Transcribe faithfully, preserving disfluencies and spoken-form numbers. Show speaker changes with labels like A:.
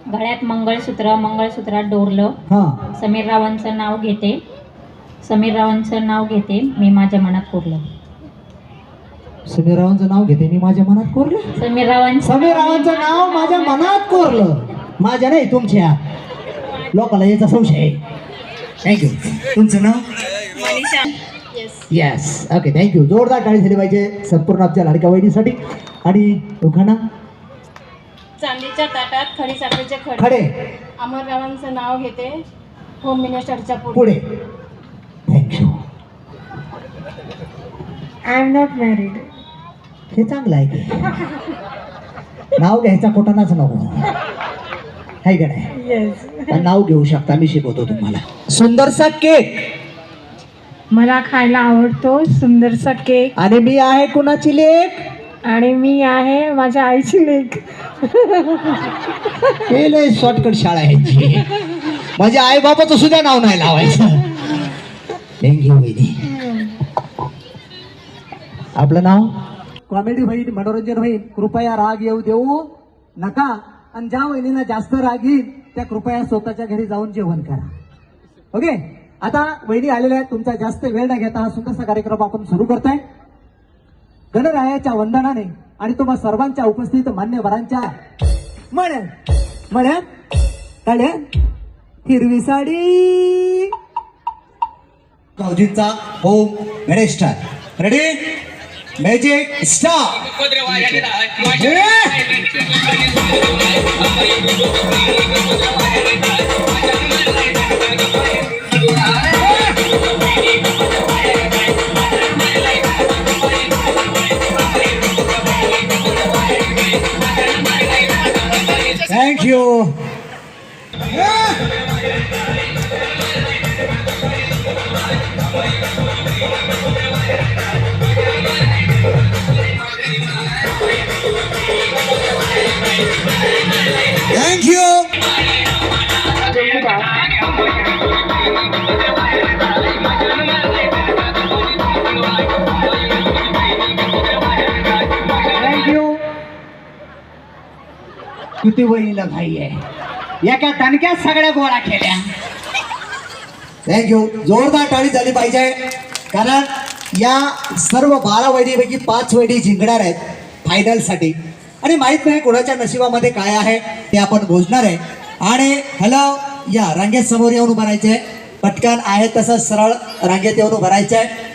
A: गळ्यात मंगळसूत्र, मंगळसूत्रात डोरलं.
B: हा
A: समीर रावांचं नाव घेते, समीर रावांचं नाव घेते, मी माझ्या मनात कोरलं.
B: समीर रावांचं नाव घेते मी माझ्या मनात कोरलं.
A: समीर रावांचं
B: समीर रावांचं नाव माझ्या मनात कोरलं. माझ्या नाही तुमच्या. लोकांना याचा संशय आहे. थँक्यू. तुमचं नाव?
A: मनीषा.
B: येस. Okay, thank you. जोरदार टाळी झाली पाहिजे संपूर्ण आमच्या लाडक्या वहिनीसाठी. आणि उखाणा?
C: चांदीच्या ताटात खडी साखरेचे खडे.
B: खडे.
C: अमररावांचं नाव घेते, होम मिनिस्टरच्या पुढे.
B: पुढे. Thank you.
C: I am not married.
B: हे चांगलं आहे की. नाव घ्यायचा कोटानाच नको. हाय का नाही?
C: येस.
B: नाव घेऊ शकता, मी शिकवतो तुम्हाला. सुंदरसा केक.
C: मला खायला आवडतो सुंदरसा केक.
B: आणि मी आहे कुणाची लेक?
C: आणि मी आहे माझ्या आईची लेक.
B: हे लय शॉर्टकट शाळा आहे. माझ्या आई बाबाचं सुद्धा नाव नाही लावायचं. थँक्यू वहिनी. आपलं नाव? कॉमेडी होईल, मनोरंजन होईल, कृपया राग येऊ देऊ नका. आणि ज्या वहिनीला जास्त राग येईल त्या कृपया स्वतःच्या घरी जाऊन जेवण करा. ओके. आता वहिनी आलेल्या आहेत. तुमचा जास्त वेळ न घेता हा सुंदरसा कार्यक्रम आपण सुरू करताय. गणरायाच्या वंदनाने आणि तुम्हा सर्वांच्या उपस्थित मान्यवरांच्या म्हणे म्हणे काढ्या हिरवी साडी. भाऊजींचा home minister ready. Magic star. Thank you. Thank you. Thank you. किती वहिनीला घाई आहे. एका दणक्यात सगळ्या गोळा केल्या. थँक्यू. जोरदार टाळी झाली पाहिजे. कारण या सर्व बारा वहिनीपैकी पाच वहिनी जिंकणार आहेत फायनल साठी. आणि माहित नाही कोणाच्या नशिबामध्ये काय आहे ते आपण बोलणार आहे. आणि हॅलो, या रांगेत समोर येऊन उभं राहायचंय. पटकन आहे तसं सरळ रांगेत येऊन उभं राहायचंय.